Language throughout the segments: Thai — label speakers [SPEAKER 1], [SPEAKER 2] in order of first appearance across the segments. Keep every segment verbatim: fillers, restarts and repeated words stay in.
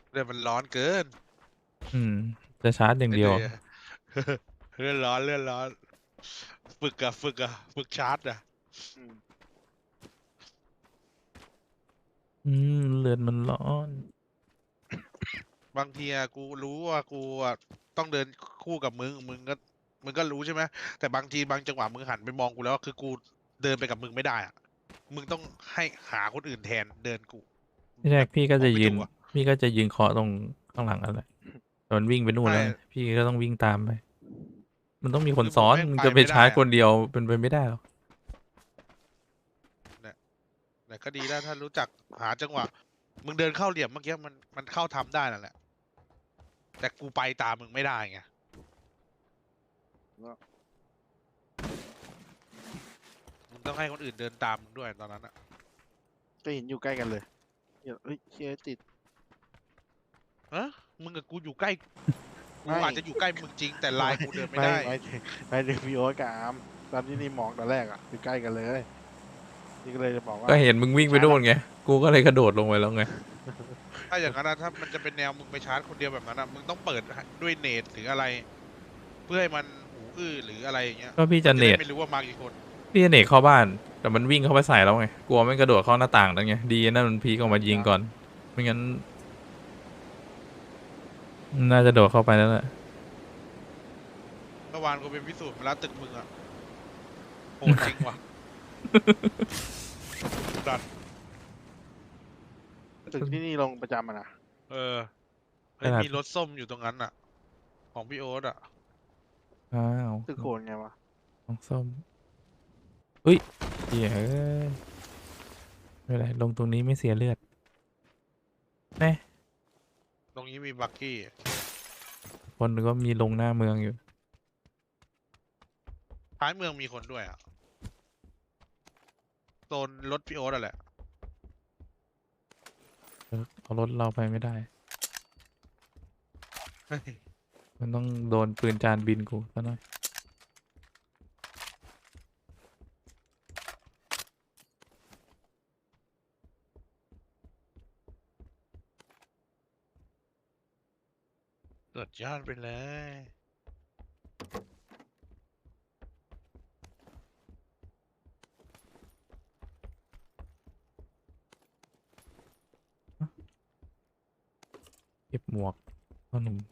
[SPEAKER 1] เรื่องมันร้อนเกิน
[SPEAKER 2] อืมจะชาร์จอย่างเดียว
[SPEAKER 1] ไม่เลยเรื่องร้อนเรื่องร้อนฝึกอะฝึกอะฝึกชาร์จอะ
[SPEAKER 3] อืม
[SPEAKER 2] อืมเลือดมันร้อน
[SPEAKER 1] บางทีอะกูรู้ว่ากูอะต้องเดินคู่กับมึงมึงก็มึงก็รู้ใช่ไหมแต่บางทีบางจังหวะมึงหันไปมองกูแล้วคือกูเดินไปกับมึงไม่ได้อะมึงต้องให้หาคนอื่นแทนเดินกูแบบ
[SPEAKER 2] ที่แรกพี่ก็
[SPEAKER 1] บอก
[SPEAKER 2] จะยืน
[SPEAKER 1] ไม่ถูกอะ
[SPEAKER 2] พี่ก็จะยืนเคาะตรงข้างหลังอะไรตอนวิ่งไปนู่น
[SPEAKER 1] ใช่
[SPEAKER 2] แล้วไงพี่ก็ต้องวิ่งตามไปมันต้องมีคน
[SPEAKER 1] คือมึ
[SPEAKER 2] ซ้อน
[SPEAKER 1] งแม่งไป
[SPEAKER 2] มึงจะไป
[SPEAKER 1] ไม่ได้อะ
[SPEAKER 2] ชาร์จคนเดียวเป็นไปไม่ได้หรอก
[SPEAKER 1] เนี่ยแต่ก็ดีแล้วถ้ารู้จักหาจังหวะมึงเดินเข้าเหลี่ยมเมื่อกี้มันมันเข้าทำได้นั่นแหละแต่กูไปตามมึงไม่ได้ไง
[SPEAKER 3] แล้ว
[SPEAKER 1] มึงต้องให้คนอื่นเดินตามมึงด้วยตอนนั้นอะ
[SPEAKER 3] ก็เห็นอยู่ใกล้กันเลยเดี๋ยวเฮ้ยเชียติด
[SPEAKER 1] ฮะมึงกับกูอยู่ใกล้กู
[SPEAKER 3] ไม่
[SPEAKER 1] อาจจะอยู่ใกล้มึงจริงแต่ไล
[SPEAKER 3] ไม่
[SPEAKER 1] น์กูเดินไม่
[SPEAKER 3] ไม่
[SPEAKER 1] ได้
[SPEAKER 3] ไม่ถึงไม่ถึงพี่โอ๊ตกับอาร์มตอนที่นี่มองตอนแรกอ่ะอยู่ใกล้กันเลยนี่ก็เลยจะบอกว่า
[SPEAKER 2] ก็เห็นมึงวิ่งไป
[SPEAKER 3] ใช้ละ
[SPEAKER 2] นู่นไงกูก็เลยกระโดดลงไปแล้วไง
[SPEAKER 1] ถ้าอย่างนั้นนะถ้ามันจะเป็นแนวมึงไปชาร์จคนเดียวแบบนั้นนะมึงต้องเปิดด้วยเนตหรืออะไรเพื่อให้มันหูอื้อหรืออะไรอย่างเงี้ย
[SPEAKER 2] ก็พี่
[SPEAKER 1] มันจะได้
[SPEAKER 2] จะเนต
[SPEAKER 1] ไม่รู้ว่ามากี่คน
[SPEAKER 2] พี่จะเนตเข้าบ้านแต่มันวิ่งเข้าไปใส่แล้วไงกลัวมันกระโดดเข้าหน้าต่างนั่นไงดีนั่นมันพีกออกมายิงก่อนไม่งั้นน่าจะโดดเข้าไปแล้วแหละ
[SPEAKER 1] เมื่อวานกูไปพิสูจน์มาแล้วตึกมึงอะโหดจริงว่ะดัน
[SPEAKER 3] ตึกที่นี่ลงประจำอะนะ
[SPEAKER 1] เออ
[SPEAKER 2] ขนาด
[SPEAKER 1] เฮ้ยมีรถส้มอยู่ตรงนั้นอะของพี่โอ๊ตอะ
[SPEAKER 2] อ้าว
[SPEAKER 3] ตึกโขนไงวะ
[SPEAKER 2] น้องส้มอุ้ยเหี้ยเอ้ยไม่เป็นไรลงตรงนี้ไม่เสียเลือดแน่
[SPEAKER 1] ตรงนี้มีบักกี้
[SPEAKER 2] คนก็มีลงหน้าเมืองอยู่
[SPEAKER 1] ท้ายเมืองมีคนด้วยอะโซนรถพี่โอ๊ตอะแหละ
[SPEAKER 2] เออเอารถเราไปไม่ได้
[SPEAKER 1] เฮ้ย
[SPEAKER 2] มันต้องโดนปืนจานบินกูซะหน่อย
[SPEAKER 1] สุดยอดไปเลย
[SPEAKER 2] เก็บหมวกพ่อหนุ่ม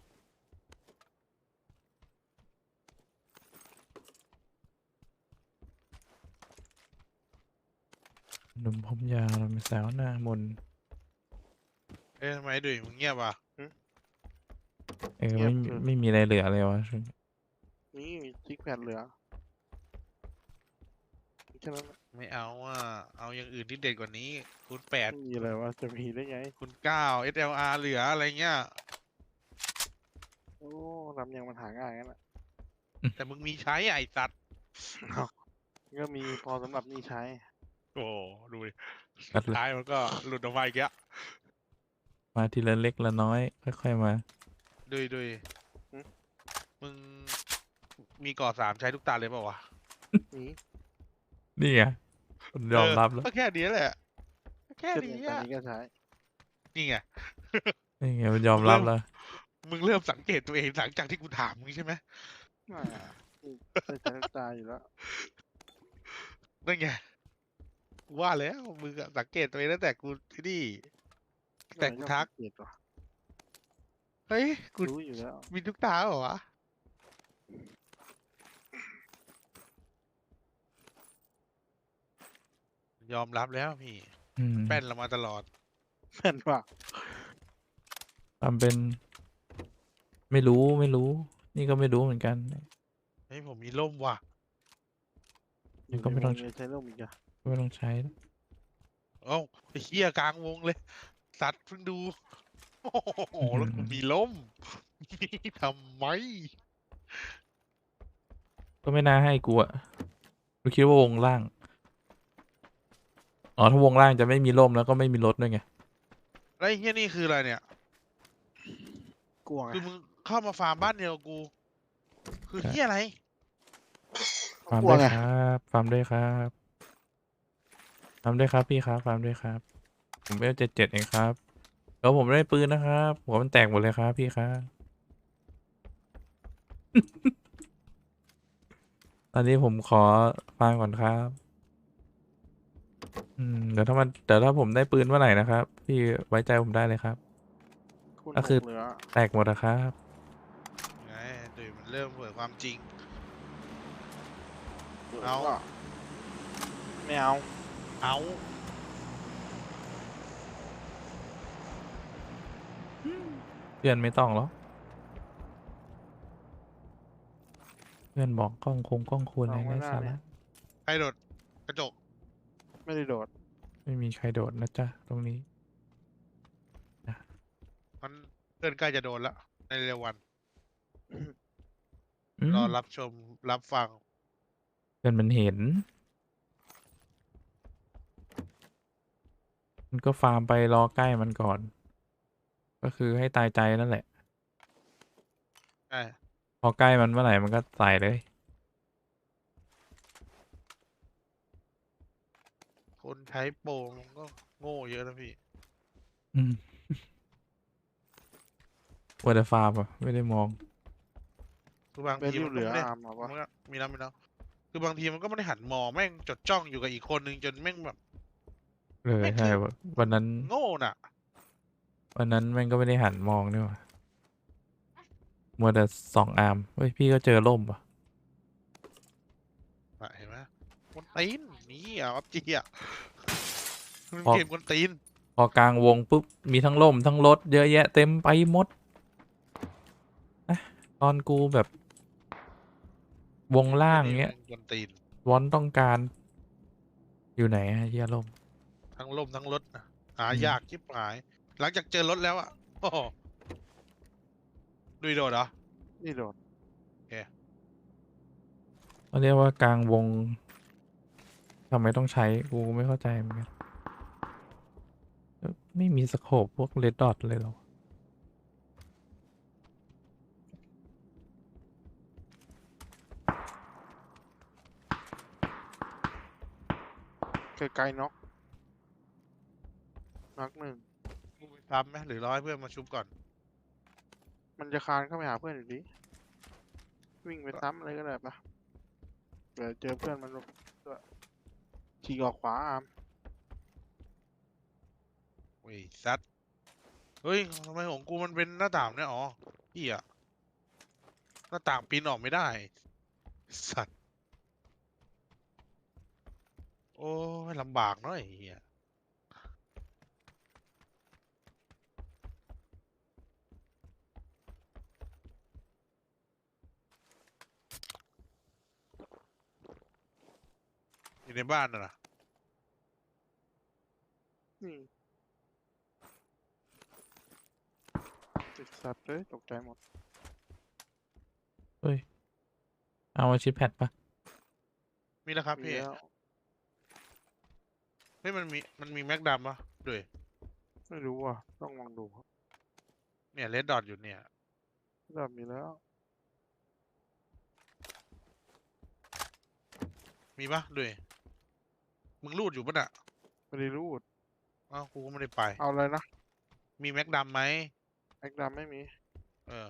[SPEAKER 2] หนุ่มผมยาวเราเป็นสาวหน้ามนต์
[SPEAKER 1] เอ๊ะทำไมดุยมึงเงียบอ่ะ
[SPEAKER 2] เออ
[SPEAKER 3] เงีย
[SPEAKER 2] ไม่
[SPEAKER 3] บคือ
[SPEAKER 2] ไม่มีอะไรเหลือเลยวะช่วงนี้
[SPEAKER 3] นี่ซิกแพดเหลือแค่นั้นแหละ
[SPEAKER 1] ไม่เอาอ่ะเอาอย่างอื่นที่เด็ดกว่านี้คูณแปด
[SPEAKER 3] ไม่มีอะไรว่าจะมีได้ไง
[SPEAKER 1] คูณเก้า เอส แอล อาร์ เหลืออะไรเงี้ย
[SPEAKER 3] โอ้ลำยังมันหาง่ายงั้นแหละ
[SPEAKER 1] แต่มึงมีใช้อ่ะไอ้สัตว์
[SPEAKER 3] ก็มีพอสำหรับนี่ใช้
[SPEAKER 1] โอ้ดูดิสุด
[SPEAKER 2] กัดเลย
[SPEAKER 1] ท้ายมันก็หลุดออกมาอีกแล้ว
[SPEAKER 2] มาทีละเล็กละน้อยค่อยๆมา
[SPEAKER 1] ดุยดุย
[SPEAKER 3] หึ
[SPEAKER 1] มึงมีก่อสามใช้ทุกตาเลยเปล่าวะ
[SPEAKER 3] นี่
[SPEAKER 2] นี่ไงมัน
[SPEAKER 1] เออ
[SPEAKER 2] ยอมรับแล้ว
[SPEAKER 1] ก็แค่นี้แหละแค่
[SPEAKER 3] ก็
[SPEAKER 1] นี้
[SPEAKER 3] เนี่ยตอน
[SPEAKER 1] อ่ะ
[SPEAKER 3] นี้ก็ใช้
[SPEAKER 1] นี่ไง
[SPEAKER 2] นี่ไงมันยอ
[SPEAKER 1] มึงเริ่ม
[SPEAKER 2] มรับแล้ว
[SPEAKER 1] มึงเริ่มสังเกตตัวเองหลังจากที่กูถามมึงใช่ไหม
[SPEAKER 3] ไม่อะนี่ได้ใช้ทุกตาอยู่แล้ว
[SPEAKER 1] นั่นไงกูว่าแล้วมึงอะสังเกตตัวเองตั้งแต่กูที่นี่
[SPEAKER 3] ก็
[SPEAKER 1] แต่กูทัก
[SPEAKER 3] ชอบสังเกตว่ะ
[SPEAKER 1] เฮ้ยกู
[SPEAKER 3] รู้อยู่แล้ว
[SPEAKER 1] มีทุกตาเหรอวะยอมรับแล้วพี่
[SPEAKER 2] อืม
[SPEAKER 1] แป้นเรามาตลอด
[SPEAKER 3] แม่นว่ะ
[SPEAKER 2] ทำเป็นไม่รู้ไม่รู้นี่ก็ไม่รู้เหมือนกัน
[SPEAKER 1] เฮ้ยผมมีร่มว่ะ
[SPEAKER 3] อยู่
[SPEAKER 2] ก็ไม่ต้อง
[SPEAKER 3] ในวงเลยใช้ร่มอีกอะ
[SPEAKER 2] ก็ไม่ต้องใช้แล้ว
[SPEAKER 1] เอ้าไอ้เหี้ยกลางวงเลยสัตว์เพิ่งดูโอ้โห
[SPEAKER 2] อื้อหือ
[SPEAKER 1] แล้วกูมีร่มทำไม
[SPEAKER 2] ก็ไม่น่าให้กูอะกูคิดว่าวงล่างอ๋อถ้าวงล่างจะไม่มีร่มแล้วก็ไม่มีรถด้วยไง
[SPEAKER 1] แล้วไอ้เหี้ยนี่คืออะไรเนี่ย
[SPEAKER 3] กลัวไง
[SPEAKER 1] คือมึงเข้ามาฟาร์มบ้านเดียวกับกูคือเหี้ยอะไร
[SPEAKER 2] ฟาร์ม
[SPEAKER 3] กลัวไง
[SPEAKER 2] ด้วยครับฟาร์มด้วยครับฟาร์มด้วยครับพี่ครับฟาร์มด้วยครับผมเวลเจ็ดเจ็ดเองครับสแล้วผมได้ปืนนะครับหัวมันแตกหมดเลยครับพี่ครับ ตอนนี้ผมขอฟังก่อนครับอืมเดี๋ยวถ้ามันเดี๋ยวถ้าผมได้ปืนเมื่อไหร่นะครับพี่ไว้ใจผมได้เลยครับ
[SPEAKER 3] คุณ
[SPEAKER 2] ก็
[SPEAKER 3] ห
[SPEAKER 2] คือ
[SPEAKER 3] กเหลือ
[SPEAKER 2] แตกหมดนะครับ
[SPEAKER 1] ไงดุยมันเริ่มเผยความจริง
[SPEAKER 3] หลื
[SPEAKER 1] เอา
[SPEAKER 3] ว่ะไม่เอา
[SPEAKER 1] เอา
[SPEAKER 2] เพื่อนไม่ต้องหรอกเพื่อนบอกกล้องคงกล้องควรอะไร
[SPEAKER 3] เอาไว้
[SPEAKER 2] ไร้
[SPEAKER 3] หน้า
[SPEAKER 2] สา
[SPEAKER 3] เนี่
[SPEAKER 2] ระ
[SPEAKER 3] ย
[SPEAKER 1] ใครโดดกระจก
[SPEAKER 3] ไม่ได้โดด
[SPEAKER 2] ไม่มีใครโดดนะจ๊ะตรงนี้
[SPEAKER 1] มันเพื่อนใกล้จะโดนแล้วในเร็ววัน
[SPEAKER 2] อื
[SPEAKER 1] รอ
[SPEAKER 2] ม
[SPEAKER 1] รับชมรับฟัง
[SPEAKER 2] เพื่อนมันเห็น มันก็ฟาร์มไปรอใกล้มันก่อน ก็คือให้ตายใจนั่นแหละ
[SPEAKER 1] ใช่
[SPEAKER 2] พอใกล้มันเมื่อไหร่มันก็ใส่เลย
[SPEAKER 1] คนใช้โปรมันก็โง่เยอะนะพี่
[SPEAKER 2] อืม วัวแต่ฟาร์มอะไม่ได้มอง
[SPEAKER 1] คือบาง
[SPEAKER 3] เบน
[SPEAKER 1] ที
[SPEAKER 3] ริ
[SPEAKER 1] มั
[SPEAKER 3] วน เห
[SPEAKER 1] ก็
[SPEAKER 3] ลือ
[SPEAKER 1] ไม่ได้
[SPEAKER 3] อาร์มเอา
[SPEAKER 1] มั
[SPEAKER 3] ปะ
[SPEAKER 1] นก็มีแล้วมีแล้วคือบางทีมันก็ไม่ได้หันมองแม่งจดจ้องอยู่กับอีกคนนึงจนแม่งแบบ
[SPEAKER 2] เออ
[SPEAKER 1] ไม่
[SPEAKER 2] ใช่
[SPEAKER 1] คือ
[SPEAKER 2] วันวันนั้น
[SPEAKER 1] โง่น่ะ
[SPEAKER 2] วันนั้นแม่งก็ไม่ได้หันมองนี่หว่ามัวแต่ส่องอาร์มเฮ้ยพี่ก็เจอล่มป่ะ
[SPEAKER 1] น่ะเห็นไหมคนตีนนี่อ่ะอัพจีอ่ะมัน
[SPEAKER 2] พอ
[SPEAKER 1] เกมคนตีน
[SPEAKER 2] พอกลางวงปุ๊บมีทั้งล่มทั้งรถเยอะแยะเต็มไปหมดนะตอนกูแบบ วงล่างเงี้ย
[SPEAKER 1] คนตีน
[SPEAKER 2] วอนต้องการ อยู่ไหนอะเฮียล่ม
[SPEAKER 1] ทั้งล่มทั้งรถนะหา
[SPEAKER 2] อืม
[SPEAKER 1] ยากชิบหาย หลังจากเจอรถแล้วอ่ะโอ้โหดุยโดดเหรอ
[SPEAKER 3] นี่โดด
[SPEAKER 2] เขาเรียกว่ากลางวงทำไมต้องใช้กูไม่เข้าใจเหมือนกันเอ้อไม่มีสโคปพวกเลดดอทเลยเหรอ
[SPEAKER 3] ไกลๆน็อกน็อกหนึ่ง
[SPEAKER 1] กูไปซ้ำไหมหรือรอให้เพื่อนมาชุบก่อน
[SPEAKER 3] มันจะคานเข้าไปหาเพื่อนอยู่ดีวิ่งไปซ้ำอะไรก็ได้ปะเดี๋ยวเจอเพื่อนมันด้วยฉีกออกขวาอาร์ม
[SPEAKER 1] เว้ยซัดเฮ้ยทำไมของกูมันเป็นหน้าต่างเนี่ยอ๋อพี่อะหน้าต่างปีนออกไม่ได้ สัตว์ โอ้ยลำบากเนาะไอ้เหี้ยอยู่ในบ้านน่ะนะ
[SPEAKER 3] นี่ติดสัตว์เลยตกใจหมด
[SPEAKER 2] เฮ้ย เอามาชิปแพดปะ
[SPEAKER 1] มีแล้วครับ
[SPEAKER 3] มี
[SPEAKER 1] พี่
[SPEAKER 3] แล้ว
[SPEAKER 1] เฮ้ยมันมีมันมีแม็กดำปะด้วย
[SPEAKER 3] ไม่รู้ว่ะต้องลองดูครับ
[SPEAKER 1] เนี่ยเลดดอทอยู่เนี่ย
[SPEAKER 3] เริ่มมีแล้ว
[SPEAKER 1] มีปะด้วย มึงรูดอยู่ปะน่ะ
[SPEAKER 3] ไม่ได้รูด
[SPEAKER 1] อ้าวกูก็ไม่ได้ไป
[SPEAKER 3] เอาเลยนะ
[SPEAKER 1] มีแม็กดำไหม
[SPEAKER 3] แม็กดำไม่มี
[SPEAKER 1] เออ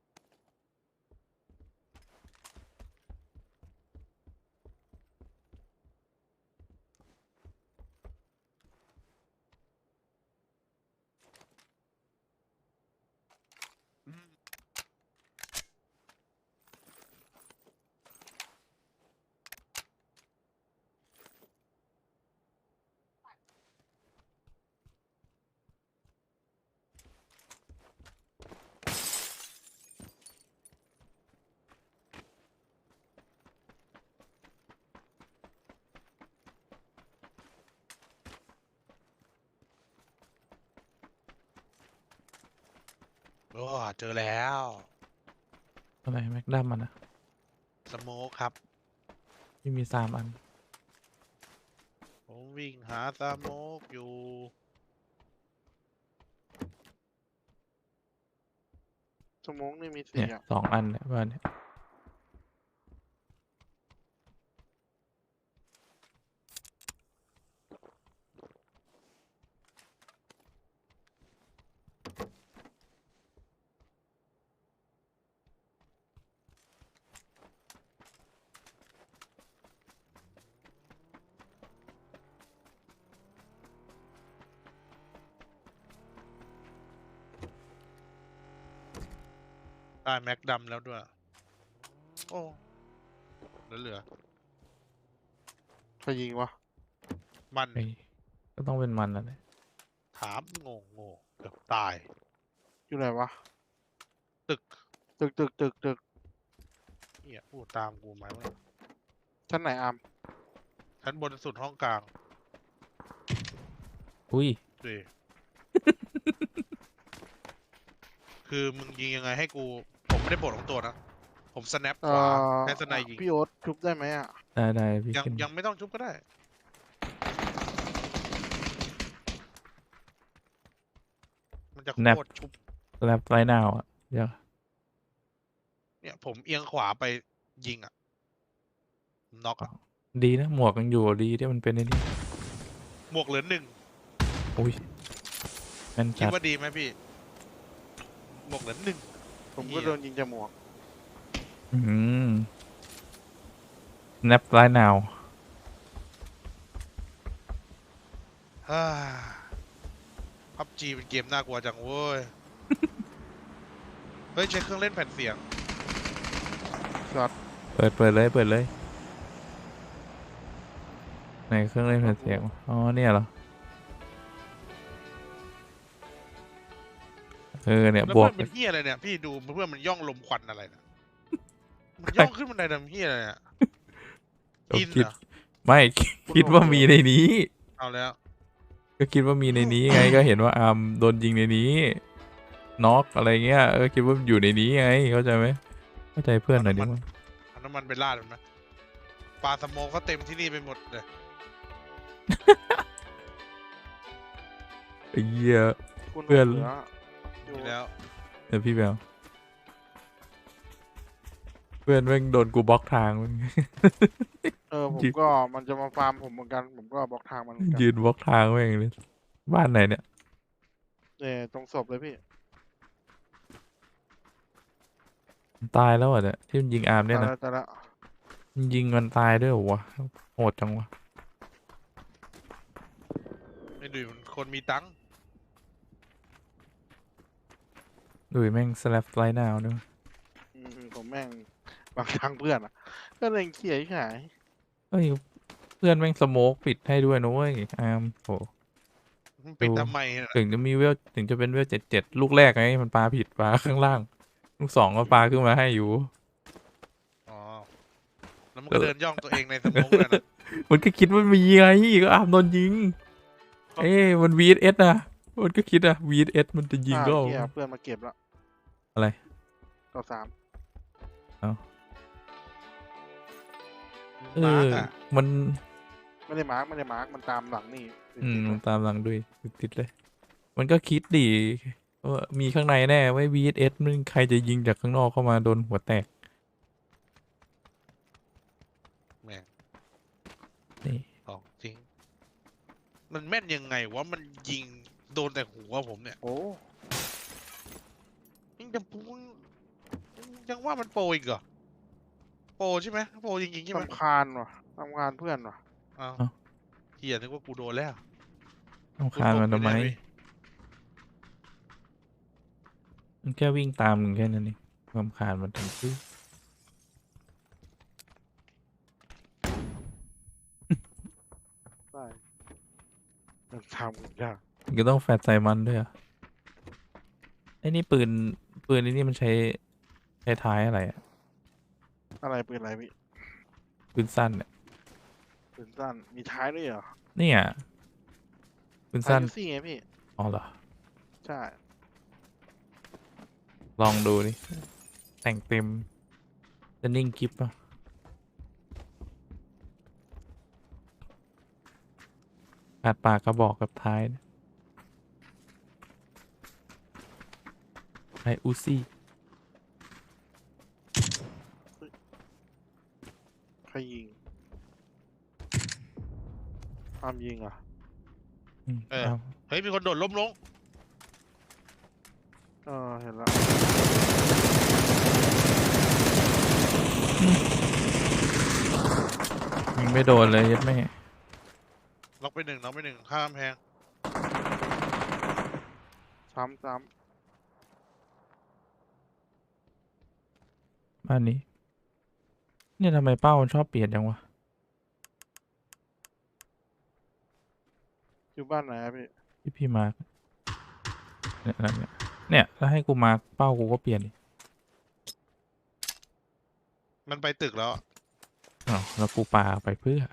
[SPEAKER 1] โอ้เจอแล้ว
[SPEAKER 2] อะไรแม็กดัมมันอะ
[SPEAKER 1] สโมคครับ
[SPEAKER 2] ที่มีสามอัน
[SPEAKER 1] ผมวิ่งหาสโมกอยู่
[SPEAKER 3] สมองนี่มี
[SPEAKER 2] เนี่
[SPEAKER 3] สี่
[SPEAKER 2] ย
[SPEAKER 3] อ่ะ
[SPEAKER 2] สองอันเนี่ยบ้านเนี่ย
[SPEAKER 1] ได้แม็กดำแล้วด้วย โอ้เหลือเหลือ
[SPEAKER 3] ใครยิงวะ
[SPEAKER 1] มัน
[SPEAKER 2] เฮ้ยก็ต้องเป็นมันแล้วแหละ
[SPEAKER 1] ถามโง่โง่เกือบตาย
[SPEAKER 3] อยู่ไหนวะ
[SPEAKER 1] ตึก
[SPEAKER 3] ตึกตึกตึกตึก
[SPEAKER 1] เหี้ยพูดตามกูไหมวะ
[SPEAKER 3] ชั้นไหนอาม
[SPEAKER 1] ชั้นบนสุดห้องกลาง
[SPEAKER 2] อุ้ย
[SPEAKER 1] ดิ คือมึงยิงยังไงให้กู ผมไม่ได้ปลดของตัวนะ ผมสแนปข
[SPEAKER 3] เอ่
[SPEAKER 1] วา
[SPEAKER 3] อ
[SPEAKER 1] ให้สไนยิง
[SPEAKER 3] พี่โอ๊ตชุบได้ไหมอ่ะ
[SPEAKER 2] ได้ได้พี่
[SPEAKER 1] ยัง
[SPEAKER 2] ขึ้น
[SPEAKER 1] ยังไม่ต้องชุบก็ได้ มันจะโคตรชุบ
[SPEAKER 2] แลบไรนาวอ่ะเดี๋ยว
[SPEAKER 1] เนี่ยผมเอียงขวาไปยิงอ่ะน็อกอ่ะ
[SPEAKER 2] ดีนะหมวกยังอยู่ดีที่มันเป็นไอ้นี่
[SPEAKER 1] หมวกเหลือหนึ่ง
[SPEAKER 2] อุ้ยแม่น
[SPEAKER 1] คิด
[SPEAKER 2] จัด
[SPEAKER 1] ว่าดีไหมพี่ หมวกเหลือหนึ่ง
[SPEAKER 3] ผมก็
[SPEAKER 1] เหี้ย
[SPEAKER 3] โดนยิงจากหมวก
[SPEAKER 2] อืมแนบไรนาว
[SPEAKER 1] ฮ่าพับจีเป็นเกมน่ากลัวจังเว้ย เฮ้ยใช้เครื่องเล่นแผ่นเสียง
[SPEAKER 2] เปิดเปิดเลยเปิดเลยไหนเครื่องเล่นแผ่นเสียงวะอ๋อเนี่ยเหรอเออเนี่ย
[SPEAKER 1] แล้ว
[SPEAKER 2] บว
[SPEAKER 1] เพื่
[SPEAKER 2] ก
[SPEAKER 1] อนเป็นเฮียอะไรเนี่ย พี่ดูเพื่อนมันย่องลมควันอะไรนะมันย่องขึ้นบันไดทำเฮียอะไรเนี่ย
[SPEAKER 2] เรา
[SPEAKER 1] อิน
[SPEAKER 2] คิด
[SPEAKER 1] เหรอ
[SPEAKER 2] ไม่คิดว่ามีในนี้
[SPEAKER 1] เอาแล้ว
[SPEAKER 2] ก็คิดว่ามีในนี้ไง ก็เห็นว่าอาร์มโดนยิงในนี้น็อกอะไรเงี้ยเออคิดว่าอยู่ในนี้ไงเข้าใจไหมเข้าใจเพื่อนหน่อยดิว่า
[SPEAKER 1] เอาน้ำมันไปราดมันไหมปลาสโมกเขาเต็มที่นี่ไปหมดเลย
[SPEAKER 2] ไอ้เหี้ย
[SPEAKER 3] คุณ
[SPEAKER 2] เพื่อน
[SPEAKER 3] หลืออยู่
[SPEAKER 1] นี่แล้ว
[SPEAKER 2] เดี๋ยวพี่แบลเพื่อนแม่งโดนกูบล็อกทางมึง
[SPEAKER 3] เออผม
[SPEAKER 2] ยิง
[SPEAKER 3] ก็มันจะมาฟาร์มผมเหมือนกัน ผมก็บล็อกทางมันเหมือนกัน
[SPEAKER 2] ยืนบล็อกทางแม่งเลยบ้านไหนเนี่ย
[SPEAKER 3] เนี่ยตรงศพเลยพี่
[SPEAKER 2] มันตายแล้วเหรอ่ะเนี่ยที่มันยิงอาร์มเนี่ย
[SPEAKER 3] ตาย
[SPEAKER 2] นะ
[SPEAKER 3] แล้วตายแล้ว
[SPEAKER 2] มันยิงมันตายด้วยเหรอวะโหดจังวะ
[SPEAKER 1] ไม่ดูมันคนมีตังค์
[SPEAKER 2] ดุยแม่งสแลปไลน์นาวด้วย
[SPEAKER 3] อืมผมแม่งบางทางเพื่อนอ่ะ ก็เลยเขี่ยหาย
[SPEAKER 2] เฮ้ยเพื่อนแม่งสโมกปิดให้ด้วยนะเว้ยอาร์มโห
[SPEAKER 1] มันเป็น
[SPEAKER 2] ดู
[SPEAKER 1] ทำไมน่ะ
[SPEAKER 2] ถึงจะมีเวลถึงจะเป็นเวลเจ็ดเจ็ดลูกแรกไงมันปาผิดปาข้างล่าง ลูกสองก็ปาขึ้นมาให้อยู่
[SPEAKER 1] อ๋อ แล้วมันก็เดินย่องตัวเองในสโมกเลยนะ
[SPEAKER 2] มันก็คิดว่ามีไงก็อาร์มโดนยิง เอ้ยมัน วี เอส เอส นะมันก็คิดอะ วี เอส เอส มันจะยิง
[SPEAKER 3] อ่า
[SPEAKER 2] ก็
[SPEAKER 3] เขี่ยเพื่อนมาเก็บแล้ว
[SPEAKER 2] อะไร
[SPEAKER 3] ต่อสาม
[SPEAKER 2] เอ
[SPEAKER 1] มา
[SPEAKER 2] อ
[SPEAKER 1] ร์กอะ
[SPEAKER 2] มัน
[SPEAKER 3] ไม่ได้มาร์กไม่ได้มาร์กมันตามหลังนี่
[SPEAKER 2] อืม
[SPEAKER 3] ติดๆ
[SPEAKER 2] มัน
[SPEAKER 3] เลย
[SPEAKER 2] ตามหลังด้วยติดๆเลย มันก็คิดดีว่ามีข้างในแน่ไว้ วี เอส เอส มันใครจะยิงจากข้างนอกเข้ามาโดนหัวแตก
[SPEAKER 1] แม่ง
[SPEAKER 2] นี่
[SPEAKER 1] ของจริง มันแม่นยังไงวะ มันยิงโดนแต่หัวผมเนี่ย
[SPEAKER 3] โอ้
[SPEAKER 1] ยังจะพูดยังว่ามันโปรอีกเหรอ โปรใช่ไหมโปรจริงๆใช่ไหม
[SPEAKER 3] ลำคาญว่ะลำคาญเพื่อนว่ะ
[SPEAKER 1] อ้าว
[SPEAKER 2] เอ้า
[SPEAKER 1] เฮียนึกว่ากูโดนแล้ว
[SPEAKER 2] ต้องคานมันทำไม
[SPEAKER 1] กูตกอยู่เนี่ย
[SPEAKER 2] มันแค่วิ่งตามมึงแค่นั้นเองความคานมันถึงซื้อ
[SPEAKER 3] ได้มันทำกันยาก
[SPEAKER 2] มันก็ต้องแฟดใส่มันด้วยเหรอไอ้นี่ปืนปืนไอ้นี่มันใช้ใช้ท้ายอะไรอะ
[SPEAKER 3] อะไรปืนอะไรพี่
[SPEAKER 2] ปืนสั้นเนี่ย
[SPEAKER 3] ปืนสั้นมีท้ายด้วยเหรอ
[SPEAKER 2] เนี่ยปืน
[SPEAKER 3] ท้าย
[SPEAKER 2] สั้น
[SPEAKER 3] ยูซี่ไงพี่
[SPEAKER 2] อ๋อเหรอ
[SPEAKER 3] ใช่
[SPEAKER 2] ลองดูดิแต่งเต็มจะนิ่งกิฟต์ป่ะขาดปากกระบอกกับท้ายนะไออูซี่
[SPEAKER 3] ใครยิงอามยิงเหรอ่ะ
[SPEAKER 2] อืม
[SPEAKER 1] เออ
[SPEAKER 2] เอา
[SPEAKER 1] เฮ้ย มีคนโดดล้มลง
[SPEAKER 3] เออเห็นแล้ว
[SPEAKER 2] ยิงไม่โดนเลยยัดแม่
[SPEAKER 1] ล็อกไปหนึ่งล็อกไปหนึ่งข้ามแพง
[SPEAKER 3] ซ้ำซ้
[SPEAKER 2] บ้านนี้ เนี่ยทำไมเป้ามันชอบเปลี่ยนจังวะ
[SPEAKER 3] อยู่บ้านไหนอะพี่
[SPEAKER 2] ที่พี่มาร์คเนี่ยอะไรเนี่ยเนี่ยถ้าให้กูมาร์คเป้ากูก็เปลี่ยนดิ
[SPEAKER 1] มันไปตึกแล้วอะ
[SPEAKER 2] อ้าวแล้วกูปาไปเพื่อ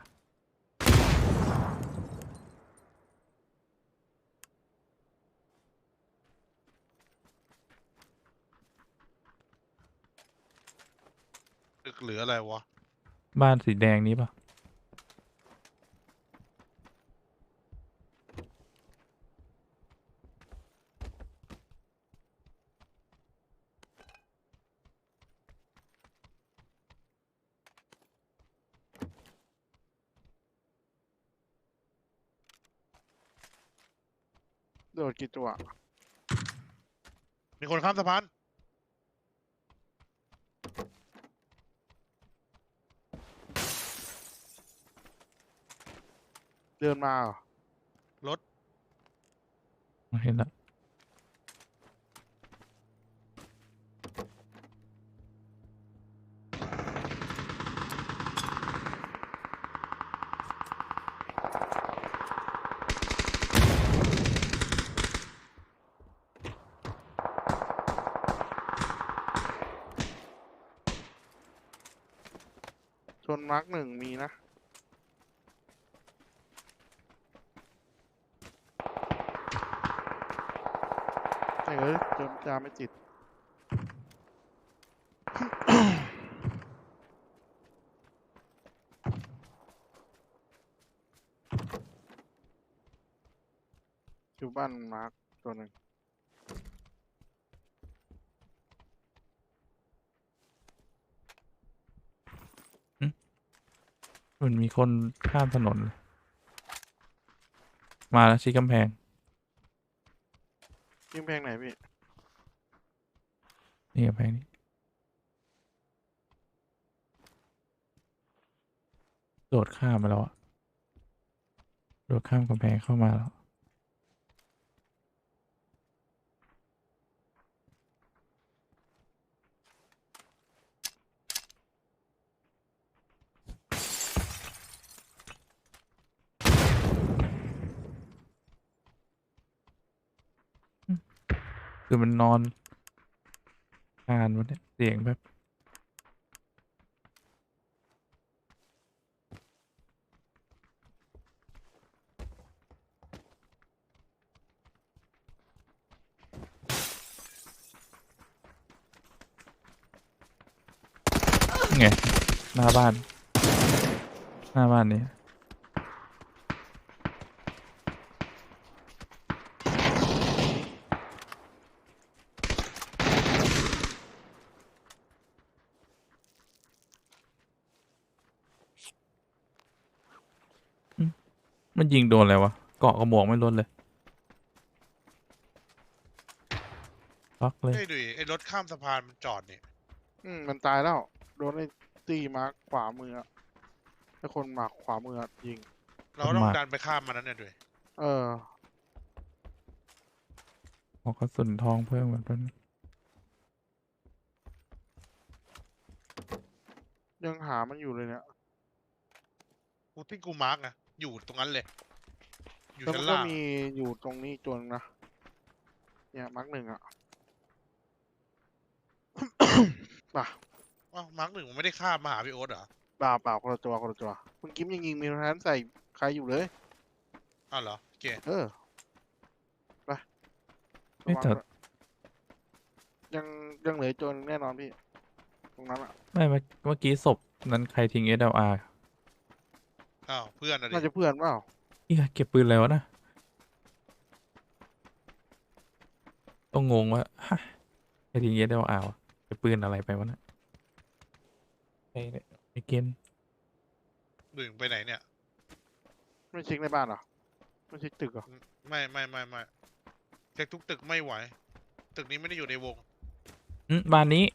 [SPEAKER 1] ตึกหรืออะไรวะ
[SPEAKER 2] บ้านสีแดงนี้ปะ
[SPEAKER 3] โดดกี่ตัว
[SPEAKER 1] มีคนข้ามสะพาน
[SPEAKER 3] เดินมาเหรอ
[SPEAKER 1] รถ
[SPEAKER 2] เห็นแล้ว
[SPEAKER 3] ชนมาร์กหนึ่งมีนะไอ้เอ้ยเจมจาไม่ติด อยู่บ้านมาร์กตัวหนึ่ง
[SPEAKER 2] มันมีคนข้ามถนนเลยมาแล้วชี้กำแพง
[SPEAKER 3] ยิงแพงไหนพี่
[SPEAKER 2] นี่กำแพงนี้โดดข้ามมาแล้วอะโดดข้ามกำแพงเข้ามาแล้ว คือมันนอนคานวันนี้เสียงแบบไงหน้าบ้าน หน้าบ้านนี้อืมมันยิงโดนอะไรวะ เกาะกระหมวกไม่ลดเลยล็อกเลย
[SPEAKER 1] เฮ้ยดุยไอ้รถข้ามสะพานมันจอดนี่
[SPEAKER 3] อืมมันตายแล้ว โดนไอ้ตีมาร์กขวามืออะไอ้คนมาร์กขวามืออะยิง
[SPEAKER 1] เราต้อง
[SPEAKER 2] มา
[SPEAKER 1] ดันไปข้ามมันนั้นเนี่ยดุย
[SPEAKER 3] เออ
[SPEAKER 2] ขอกระสุนทองเพิ่มเหมือนกัน
[SPEAKER 3] ยังหามันอยู่เลยเนี่ย
[SPEAKER 1] กูที่กูมาร์กนะอยู่ตรงนั้นเลย อยู่
[SPEAKER 3] แล้ว
[SPEAKER 1] ชั้
[SPEAKER 3] มัน
[SPEAKER 1] น
[SPEAKER 3] ก็
[SPEAKER 1] ล่าง
[SPEAKER 3] มีอยู่ตรงนี้ตัวนึงนะ เนี่ยมาร์กหนึ่งอะ ป่ะ
[SPEAKER 1] อ้าวมาร์กหนึ่งมันไม่ได้ข้ามมาหาพี่โอ๊ตเหรอ
[SPEAKER 3] เปล่าเปล่าคนละตัวคนละตัวคุณกิมยังยิงมีแทนใส่ใครอยู่เลย
[SPEAKER 1] อ้าวเหรอโอเค
[SPEAKER 3] เออ ไป
[SPEAKER 2] ไม่
[SPEAKER 3] ระวัง
[SPEAKER 2] แต่
[SPEAKER 3] ด้วยยังยังเหลืออกตัวนึงแน่นอนพี่ ตรงนั้นอะ
[SPEAKER 2] ไม่เมื่อเมื่อกี้ศพนั้นใครทิ้ง เอส แอล อาร์
[SPEAKER 1] อ้าวเพื่อนอะดิ
[SPEAKER 3] น่าจะเพื่อนเปล่า
[SPEAKER 2] เฮียเก็บปืนแล้วนะ ต้องงงว่าฮะใครทิ้ง เอส แอล อาร์ วะเก็บปืนอะไรไปวะนะไอ้เนี่ยไอ้เกน
[SPEAKER 1] ดุยมึงไปไหนเนี่ย
[SPEAKER 3] ไม่เช็คในบ้านเหรอ ไม่เช็คตึกเหรอ
[SPEAKER 1] ไม่ไม่ไม่ไม่เช็คทุกตึกไม่ไหว ตึกนี้ไม่ได้อยู่ในวง
[SPEAKER 2] อืมบ้านนี้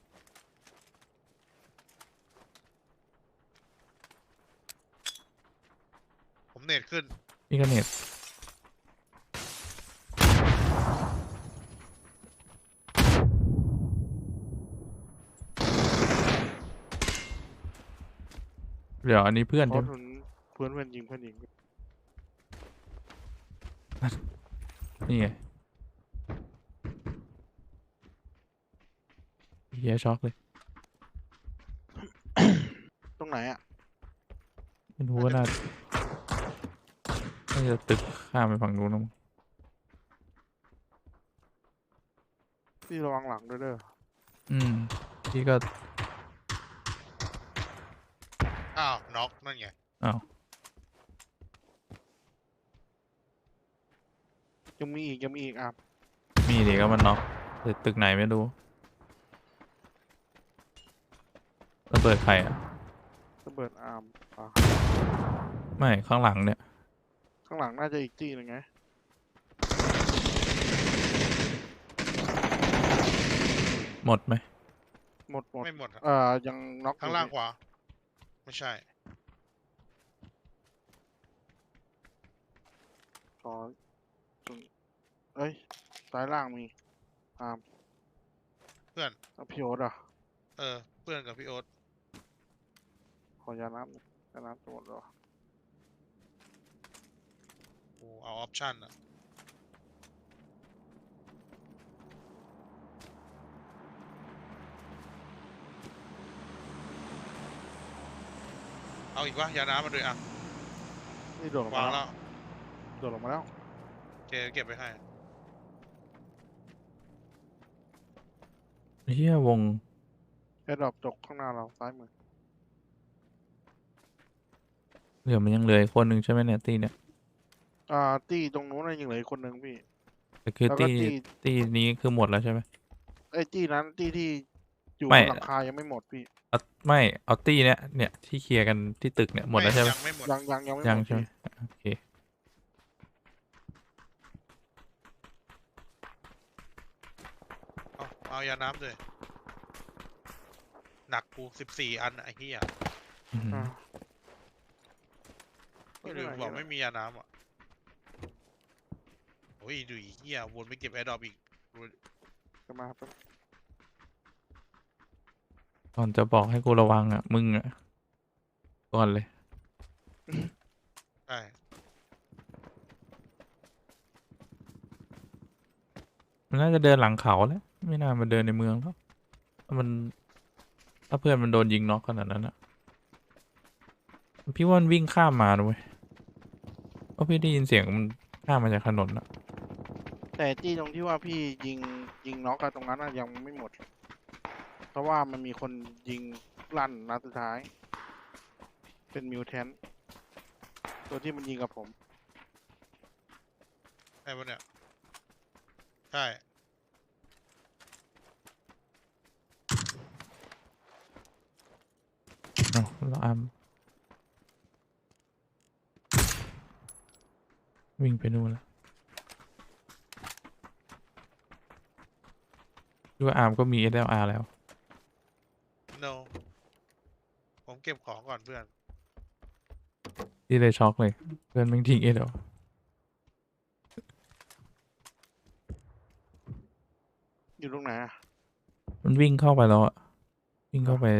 [SPEAKER 1] ผมเน็ตขึ้น
[SPEAKER 2] นี่ก็เน็ตเดี๋ยวอันนี้เพื่อน
[SPEAKER 3] เพ
[SPEAKER 2] ใช่
[SPEAKER 3] ราะ
[SPEAKER 2] ไหม
[SPEAKER 3] ทุนเพื่อนเพื่อนยิงเพื่อนยิง
[SPEAKER 2] นี่ไงเฮียช็อกเลย
[SPEAKER 3] ตรงไหนอ่ะ
[SPEAKER 2] ไม่รู้ว่าน่าน่าจะตึกข้ามไปฝั่งนู้นนะมั้ง
[SPEAKER 3] พี่ระวังหลังด้วยเด้อ
[SPEAKER 2] อืมพี่ก็
[SPEAKER 1] อ้าวน็อกนั่นไง
[SPEAKER 2] อ้าว
[SPEAKER 3] ยังมีอีกยังมีอีกอ่ะ
[SPEAKER 2] มีดิก็มันน็อกแต่ตึกไหนไม่รู้ระเบิดใครอ่ะ
[SPEAKER 3] ระเบิดอาร์มอ่ะ
[SPEAKER 2] ไม่ข้างหลังเนี่ย
[SPEAKER 3] ข้างหลังน่าจะอีกที่หนึงไง
[SPEAKER 2] หมดไหม
[SPEAKER 3] หมดหมด
[SPEAKER 1] ไม่หมดอะ
[SPEAKER 3] เอ่อยังน็อก
[SPEAKER 1] ข้างล่างขวา ไม่ใช่
[SPEAKER 3] ขอตรงเอ้ยซ้ายล่างมีอาร์ม
[SPEAKER 1] เพื่อน
[SPEAKER 3] แล้วพี่โอ๊ตอ่ะ
[SPEAKER 1] เออ เพื่อนกับพี่โอ๊ต
[SPEAKER 3] ขอยาน้ำหน่อยยาน้ำจะหมดแล้ว
[SPEAKER 1] โอ้เอาออปชั่นอะเอาอีกวะยาน้ำมาด้วยอ่ะ
[SPEAKER 3] นี่โดดลงาง
[SPEAKER 1] วามแล้
[SPEAKER 3] แล้ว วโดดลงมาแล้ว
[SPEAKER 1] เจเก็บไปให้
[SPEAKER 2] เฮียวง
[SPEAKER 3] แอร์ดรอปตกข้างหน้าเราซ้ายมือ
[SPEAKER 2] เหลือมันยังเหลืออีกคนหนึ่งใช่ไหมเนี่ยตีเนี่ย
[SPEAKER 3] อ่าตี้ตรงนู้นน่ะยังเหลืออีกคนนึงพี่
[SPEAKER 2] แต่คือ
[SPEAKER 3] แล้วก็
[SPEAKER 2] ตี
[SPEAKER 3] ตี้
[SPEAKER 2] ตีนี้คือหมดแล้วใช่ไหม
[SPEAKER 3] ไอ้ตี้นั้นตี้ที่อยู่บ
[SPEAKER 2] ไม่
[SPEAKER 3] นหลังคายังไม่หมดพี่
[SPEAKER 2] เอาไม่เอาตีเนี่ยเนี่ยที่เคลียร์กันที่ตึกเนี่ยหมดแล้วใช่ไหม
[SPEAKER 1] ยังไม่หมด
[SPEAKER 3] ยังยังยังไม่ห
[SPEAKER 2] ยั
[SPEAKER 3] ม
[SPEAKER 2] ง
[SPEAKER 3] ด
[SPEAKER 2] ใช่ไหม
[SPEAKER 3] พี่
[SPEAKER 2] โอเค
[SPEAKER 1] เอาเอายาน้ำด้วยหนักกูสิบสี่อันอะไอ้เหี้ย
[SPEAKER 2] อื้อหือ
[SPEAKER 3] อ่า
[SPEAKER 1] ไม่ลืมบอกไม่มียาน้ำอ่ะโอ้ยดูอีเหี้ยวนไปเก็บแอร์ดรอปอีก
[SPEAKER 3] จะมาครับ
[SPEAKER 2] ก่อนจะบอกให้กูระวังอ่ะมึงอ่ะก่อนเลย
[SPEAKER 1] ใช่
[SPEAKER 2] มันน่าจะเดินหลังเขาแล้วไม่น่ามาเดินในเมืองแล้วถ้ามันถ้าเพื่อนมันโดนยิงน็อกขนาดนั้นอ่ะพี่ว่ามันวิ่งข้ามมาด้วยเพราะพี่ได้ยินเสียงมันข้ามมาจากถนนอ่ะ
[SPEAKER 3] แต่ตี้ตรงที่ว่าพี่ยิงยิงน็อกอะตรงนั้นอะยังไม่หมด เพราะว่ามันมีคนยิงลั่นนัดสุดท้าย เป็นมิวแทนตัวที่มันยิงกับผม
[SPEAKER 1] ใช่ปะเนี่ยใช่
[SPEAKER 2] เอาแล้วอามวิ่งไปนู่นแล้วดูว่าอาร์มก็มี เอส แอล อาร์ แล้ว
[SPEAKER 1] no ผมเก็บของก่อนเพื่อน
[SPEAKER 2] ที่เลยช็อกเลยเพื่อนแม่งทิ้ง เอส แอล
[SPEAKER 3] อยู่ตรงไหนอะ
[SPEAKER 2] มันวิ่งเข้าไปแล้วอะวิ่งเข้าไป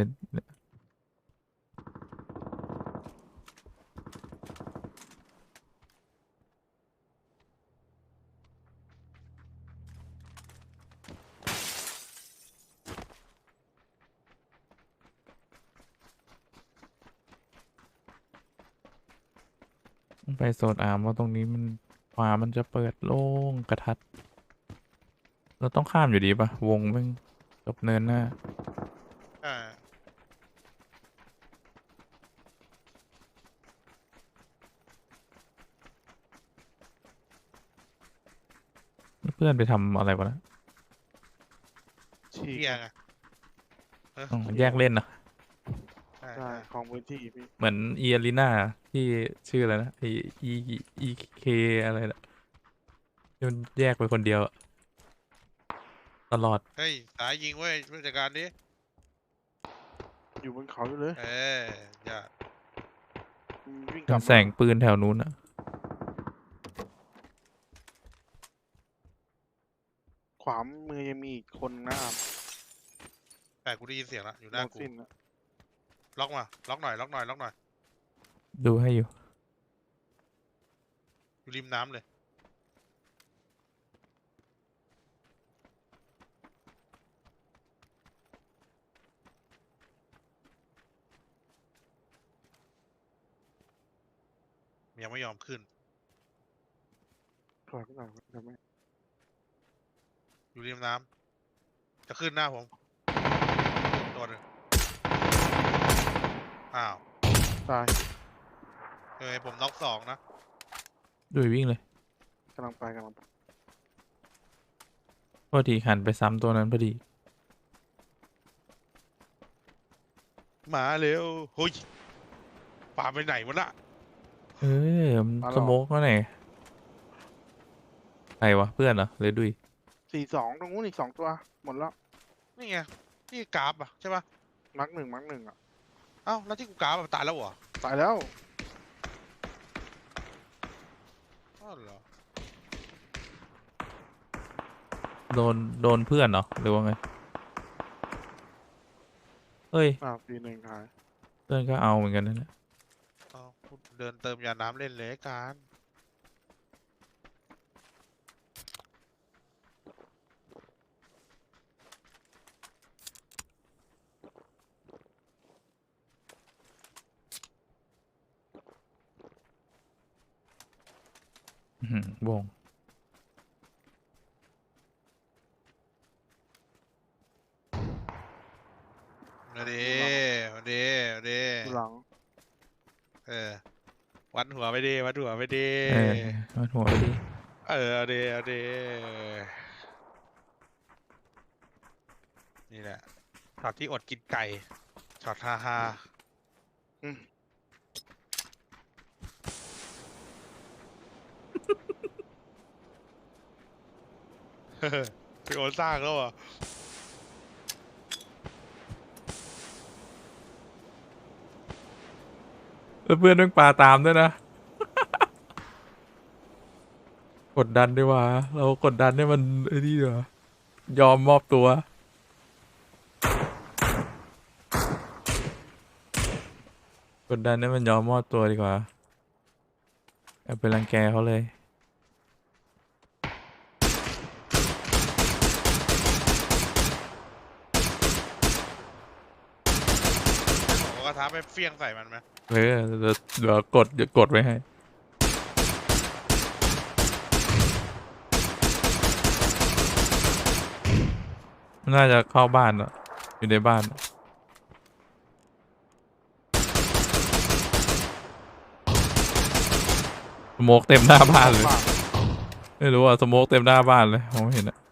[SPEAKER 2] ไปโซนอาร์มว่าตรงนี้มันขวามันจะเปิดโล่งกระทัด เราต้องข้ามอยู่ดีปะวงแม่งจบเนินหน้า
[SPEAKER 1] ใช่
[SPEAKER 2] เพื่อนไปทำอะไรวะนะ
[SPEAKER 3] ฉีก
[SPEAKER 1] เหี้ยไงเออ
[SPEAKER 2] อ๋อแยกเล่นนะ
[SPEAKER 1] ใช่
[SPEAKER 3] ใช่
[SPEAKER 1] ใช่
[SPEAKER 3] ของพื้นที่พี่
[SPEAKER 2] เหมือนเอียรีนาที่ชื่ออะไรนะไออีอีเคอะไรนะที่มันแยกไปคนเดียวอะตลอด
[SPEAKER 1] เฮ้ยสายยิงเว้ยผู้จัดการดิ
[SPEAKER 3] อยู่บนเขาอยู่เลย
[SPEAKER 1] เอออย่า
[SPEAKER 3] มันวิ่งก
[SPEAKER 2] เป็
[SPEAKER 3] ลั
[SPEAKER 2] น
[SPEAKER 3] บ
[SPEAKER 2] แสงปืนแถวนู้นอะ
[SPEAKER 3] ขวามือยังมีอีกคนนะครับ
[SPEAKER 1] แต่กูได้ยินเสียงละอยู่ห
[SPEAKER 3] โม
[SPEAKER 1] น้ากู
[SPEAKER 3] ซินอะ
[SPEAKER 1] ล็อกมาล็อกหน่อยล็อกหน่อยล็อกหน่อย
[SPEAKER 2] ดูให้อยู่
[SPEAKER 1] อยู่ริมน้ำเลยยังไม่ยอมขึ้น
[SPEAKER 3] ถอยไปหน่อยทำไม
[SPEAKER 1] อยู่ริมน้ำจะขึ้นหน้าผมตัวหนึ่งอ้าว
[SPEAKER 3] ตาย
[SPEAKER 1] เฮ้ยผมน็อกสองนะ
[SPEAKER 2] ดูวิ่งเลย
[SPEAKER 3] กำลังไปกำลังไป
[SPEAKER 2] พอดีหันไปซ้ำตัวนั้นพอดี
[SPEAKER 1] มาเร็วเฮ้ยป่าไปไหนวะน่ะ
[SPEAKER 2] เออสโมกก็ไหนใครวะเพื่อนเหรอหรือดุย
[SPEAKER 3] สี่สองตรงนู้นอีกสองตัวหมดแล้ว
[SPEAKER 1] นี่ไงนี่กราฟอ่ะใช่ปะ
[SPEAKER 3] มักหนึ่งมักหนึ่งอ่ะ
[SPEAKER 1] เอ้าแล้วที่กูกราฟอะตายแล้วเหรอ
[SPEAKER 3] ตายแล้ว
[SPEAKER 1] อ้าวเหรอ
[SPEAKER 2] โดนโดนเพื่อนเหรอหรือว่าไงเฮ้ย
[SPEAKER 3] อ่าปีหนึ่งขาย
[SPEAKER 2] เพื่อนก็เอาเหมือนกันนั่นแหละ
[SPEAKER 1] เอ้ากูเดินเติมยาน้ำเล่นเลยการ
[SPEAKER 2] อื้อหือวง
[SPEAKER 1] มาดีมาดีมาดี
[SPEAKER 3] ดูหลัง
[SPEAKER 1] เออวัดหัวไปดีวัดหัวไปดี
[SPEAKER 2] เออมันหัวไปดิ
[SPEAKER 1] เออเอาดีเอาดีนี่แหละช็อตที่อดกินไก่ช็อตฮาฮา
[SPEAKER 3] อืม
[SPEAKER 1] พี่โอนสร้างแล้วเหรอ่ะ
[SPEAKER 2] แล้วเพื่อนต้องปลาตามด้วยนะ กดดันดีกว่า เรากดดันให้มันไอ้นี่ดีกว่ายอมมอบตัว กดดันให้มันยอมมอบตัวดีกว่าอย่าไปรังแกเขาเลย
[SPEAKER 1] ผมก็ท้าไปเฟี้ยงใส่มันไหม
[SPEAKER 2] เออเดี๋ยวเดี๋ยวกดเดี๋ยวกดไว้ให้ น่าจะเข้าบ้านอะอยู่ในบ้าน สโมกเต็มหน้าบ้านเลย
[SPEAKER 3] ปาก
[SPEAKER 2] ไม่รู้อ่ะสโมกเต็มหน้าบ้านเลยมองไม่เห็นอะ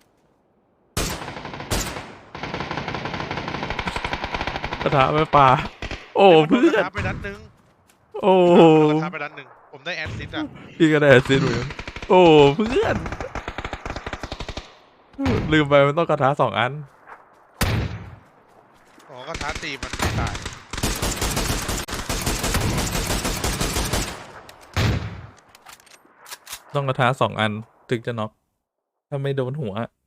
[SPEAKER 2] กระทะไม่ปลาโอ้เพื่อน
[SPEAKER 1] ท้าไปนัดหนึง
[SPEAKER 2] โอ้
[SPEAKER 1] กระทาไปนัดหนึ่งผมได้แอสซิสต์อ่ะ
[SPEAKER 2] พี่ก็ได้แอสซิสต์เหมือนกันโอ้เพื่อน ลืมไปมันต้องกระทะสองอัน
[SPEAKER 1] อ๋อกระทาตีมันไม่ตาย
[SPEAKER 2] ต้องกระทะสองอันถึงจะน็อกถ้าไม่โดนหัว